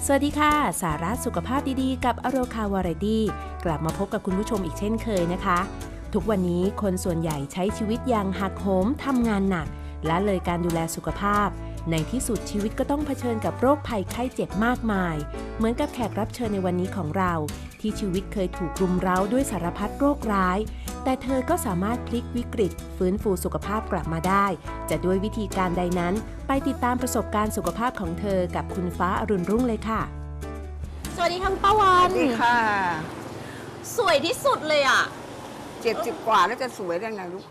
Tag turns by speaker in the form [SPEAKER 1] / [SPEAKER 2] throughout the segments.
[SPEAKER 1] สวัสดีค่ะสาระสุขภาพดีๆกับอโรคาวาไรตี้กลับมาพบกับคุณผู้ชมอีกเช่นเคยนะคะทุกวันนี้คนส่วนใหญ่ใช้ชีวิตอย่างหักโหมทำงานหนักและเลยการดูแลสุขภาพในที่สุดชีวิตก็ต้องเผชิญกับโรคภัยไข้เจ็บมากมายเหมือนกับแขกรับเชิญในวันนี้ของเราที่ชีวิตเคยถูกรุมเร้าด้วยสารพัดโรคร้ายแต่เธอก็สามารถพลิกวิกฤตฟื้นฟูสุขภาพกลับมาได้จะด้วยวิธีการใดนั้นไปติดตามประสบการณ์สุขภาพของเธอกับคุณฟ้าอรุณรุ่งเลยค่ะ
[SPEAKER 2] สวัสดีค่ะป้าวัน
[SPEAKER 3] สวัสดีค่ะ
[SPEAKER 2] สวยที่สุดเลยอ่ะ
[SPEAKER 3] 70 กว่าแล้วจะสวยได้ไงลูก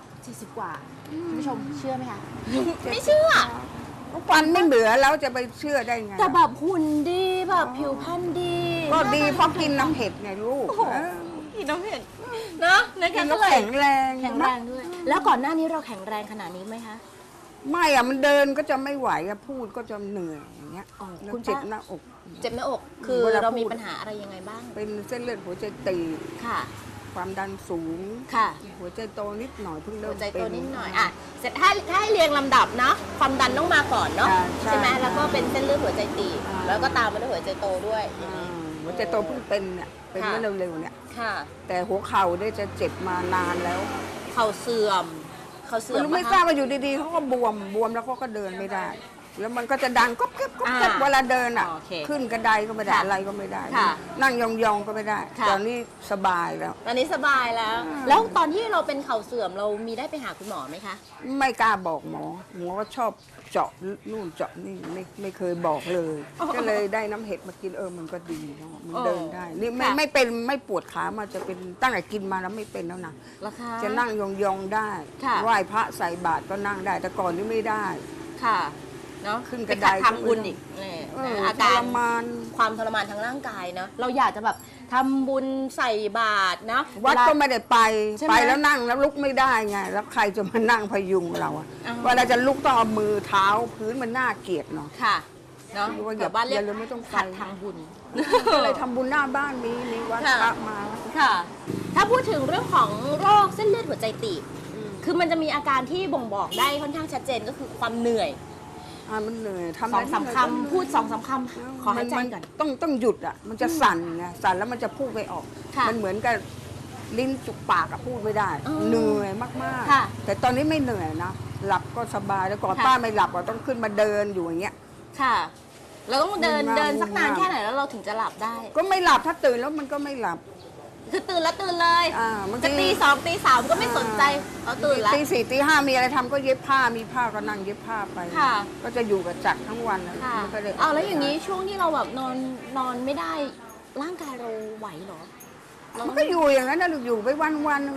[SPEAKER 2] 40 กว่าคุณผู้ชมเชื่อไหมคะ ไม่เชื่อ
[SPEAKER 3] ฟันไม่เหลือแล้วจะไปเชื่อได้ไง
[SPEAKER 2] แต่แบบหุ่นดีแบบผิวพรรณดี
[SPEAKER 3] ก็ดีเพราะกินน้ำเผ็ดไงลูก
[SPEAKER 2] กินน้ำเผ็ดเนาะ
[SPEAKER 3] กินแล้วแข็งแรง
[SPEAKER 2] ด้วยแล้วก่อนหน้านี้เราแข็งแรงขนาดนี้ไหมคะ
[SPEAKER 3] ไม่อะมันเดินก็จะไม่ไหวอะพูดก็จะเหนื่อยอย่างเงี้ยคุณเจ็บหน้าอก
[SPEAKER 2] เจ็บหน้าอกคือเรามีปัญหาอะไรยังไงบ้าง
[SPEAKER 3] เป็นเส้นเลือดหัวใจตีบค่ะความดันสูง
[SPEAKER 2] ค่ะ
[SPEAKER 3] หัวใจโตนิดหน่อยเพิ่งเริ่ม
[SPEAKER 2] หัวใจโตนิดหน่อยอ่ะเสร็จถ้าให้เรียงลำดับเนาะความดันต้องมาก่อนเนาะใช่ไหมแล้วก็เป็นเส้นเลือดหัวใจตีบแล้วก็ตามมาด้วยหัวใจโตด้วย
[SPEAKER 3] หัวใจโตเพิ่งเป็นเนี่ยเป็นเมื่อเร็วๆเนี่ย
[SPEAKER 2] ค่ะ
[SPEAKER 3] แต่หัวเข่าได้จะเจ็บมานานแล้ว
[SPEAKER 2] เข่าเสื่อม
[SPEAKER 3] ไม่ทราบว่าอยู่ดีๆเขาก็บวมแล้วเขาก็เดินไม่ได้แล้วมันก็จะดังก๊อบแก๊บก๊อบแก๊บเวลาเดินอ่ะขึ้นกระไดก็ไม่ได้อะไรก็ไม่ได้นั่งยองๆก็ไม่ได้ตอนนี้สบายแล้ว
[SPEAKER 2] ตอนนี้สบายแล้วตอนที่เราเป็นเข่าเสื่อมเรามีได้ไปหาคุณหมอไหมคะ
[SPEAKER 3] ไม่กล้าบอกหมอก็ชอบเจาะนู่นเจาะนี่ไม่เคยบอกเลยก็เลยได้น้ำเห็ดมากินมันก็ดีเนาะมันเดินได้นี่ไม่เป็นไม่ปวดขามาจะเป็นตั้งแต่กินมาแล้วไม่เป็นแล้วนะจะนั่งยองๆได้ไหว้พระใส่บาตรก็นั่งได้แต่ก่อนนี่ไม่ได้
[SPEAKER 2] ค่ะเนาะ
[SPEAKER 3] ขึ้นกระได
[SPEAKER 2] ทำบุญอีกอาการความทรมานทางร่างกายเนาะเราอยากจะแบบทำบุญใส่บาตรเนาะ
[SPEAKER 3] วัดก็ไม่ได้ไปแล้วนั่งแล้วลุกไม่ได้ไงแล้วใครจะมานั่งพยุงเราอะเวลาจะลุกต้องเอามือเท้าพื้นมันน่าเกลียดเนาะ
[SPEAKER 2] ค่ะเนาะ
[SPEAKER 3] อย่าบ้านเรียกไม่ต้อง
[SPEAKER 2] ขัดทางบุญ
[SPEAKER 3] เลยทำบุญหน้าบ้านมีวัดพระมา
[SPEAKER 2] ค่ะถ้าพูดถึงเรื่องของโรคเส้นเลือดหัวใจตีบคือมันจะมีอาการที่บ่งบอกได้ค่อนข้างชัดเจนก็คือความเหนื่อย
[SPEAKER 3] มันเหนื่อยทำ
[SPEAKER 2] 2-3 คำพูด2-3 คำขอให้ใจก่อน
[SPEAKER 3] ต้องหยุดอ่ะมันจะสั่นไงสั่นแล้วมันจะพูดไม่ออกมันเหมือนกับลิ้นจุกปากอะพูดไม่ได้เหนื่อยมากๆแต่ตอนนี้ไม่เหนื่อยนะหลับก็สบายแล้วก่อนป้าไม่หลับก็ต้องขึ้นมาเดินอยู่อย่างเงี้ย
[SPEAKER 2] ค่ะเราต้องเดินสักนานแค่ไหนแล้วเราถึงจะหลับได้
[SPEAKER 3] ก็ไม่หลับถ้าตื่นแล้วมันก็ไม่หลับ
[SPEAKER 2] คือตื่นแล้วตื่นเลยจะตี 2 ตี 3ก็ไม่สนใจตื่นแล้ว
[SPEAKER 3] ตี 4 ตี 5มีอะไรทำก็เย็บผ้ามีผ้าก็นั่งเย็บผ้าไปก็จะอยู่กับจักรทั้งวัน
[SPEAKER 2] ก็เลยแล้วอย่างนี้ช่วงที่เราแบบนอนไม่ได้ร่างกายเราไหวเหรอ
[SPEAKER 3] มันก็อยู่อย่างนั้นนะอยู่ไปวัน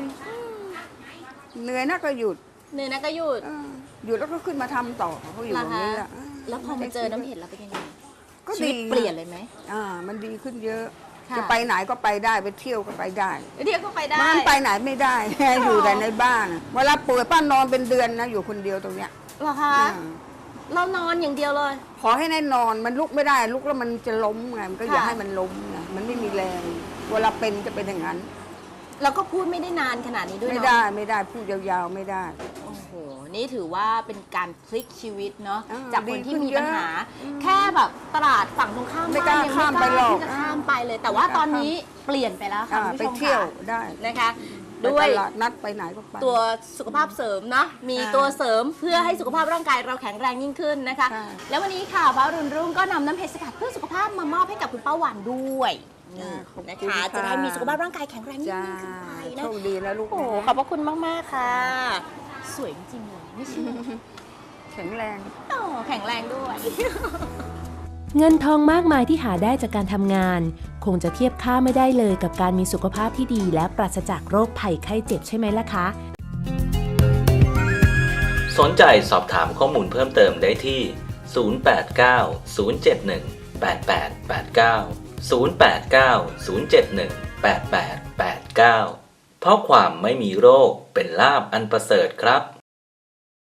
[SPEAKER 3] เหนื่อยนักก็หยุด
[SPEAKER 2] หยุด
[SPEAKER 3] แล้วก็ขึ้นมาทำต่อเขาอยู่อย่างนี้แหละ
[SPEAKER 2] แล้วพอมาเจอน้ำเห็ดเราเป็นยังไง
[SPEAKER 3] ก็ดี
[SPEAKER 2] เปลี่ยนเลยไหม
[SPEAKER 3] มันดีขึ้นเยอะจะไปไหนก็ไปได้ไปเที่ยวก็ไปได้
[SPEAKER 2] ก็ไปได้
[SPEAKER 3] มันไปไหนไม่ได้อยู่แต่ในบ้านเวลาป่วยป้านอนเป็นเดือนนะอยู่คนเดียวตรงเนี้ย
[SPEAKER 2] เหรอคะเรานอนอย่างเดียวเลย
[SPEAKER 3] ขอให้แน่นอนมันลุกไม่ได้ลุกแล้วมันจะล้มไงมันก็อย่าให้มันล้มไงมันไม่มีแรงเวลาเป็นจะเป็นอย่างนั้น
[SPEAKER 2] แล้วก็พูดไม่ได้นานขนาดนี้ด้วย
[SPEAKER 3] ไม่ได้พูดยาวๆไม่ได้
[SPEAKER 2] โอ้โหนี่ถือว่าเป็นการพลิกชีวิตเนาะจากคนที่มีปัญหาแค่แบบตลาดฝั่งตรงข้าม
[SPEAKER 3] ไม่กล้าข้ามไปหรอก
[SPEAKER 2] ที่จะข้ามไปเลยแต่ว่าตอนนี้เปลี่ยนไปแล้วค่ะ
[SPEAKER 3] ไปเที่ยวได้
[SPEAKER 2] นะคะด้วย
[SPEAKER 3] นัดไปไหนก็ไป
[SPEAKER 2] ตัวสุขภาพเสริมเนาะมีตัวเสริมเพื่อให้สุขภาพร่างกายเราแข็งแรงยิ่งขึ้นนะคะแล้ววันนี้ค่ะฟ้ารุ่นรุ่งก็นำน้ำเห็ดสกัดเพื่อสุขภาพมามอบให้กับคุณป้าหวานด้วยนะคะจะได้มีสุขภาพร่างกายแข็งแรงยิ่งขึ้นไปนะ
[SPEAKER 3] โชคดีนะลูก
[SPEAKER 2] โอ้ขอบพระคุณมากๆค่ะสวยจริงๆเลยไม่ใช่
[SPEAKER 3] แข็งแรง
[SPEAKER 2] แข็งแรงด้วย
[SPEAKER 1] เงินทองมากมายที่หาได้จากการทำงานคงจะเทียบค่าไม่ได้เลยกับการมีสุขภาพที่ดีและปราศจากโรคภัยไข้เจ็บใช่ไหมล่ะคะ
[SPEAKER 4] สนใจสอบถามข้อมูลเพิ่มเติมได้ที่ 089 071 8889 089 071 8889 เพราะความไม่มีโรคเป็นลาภอันประเสริฐครับ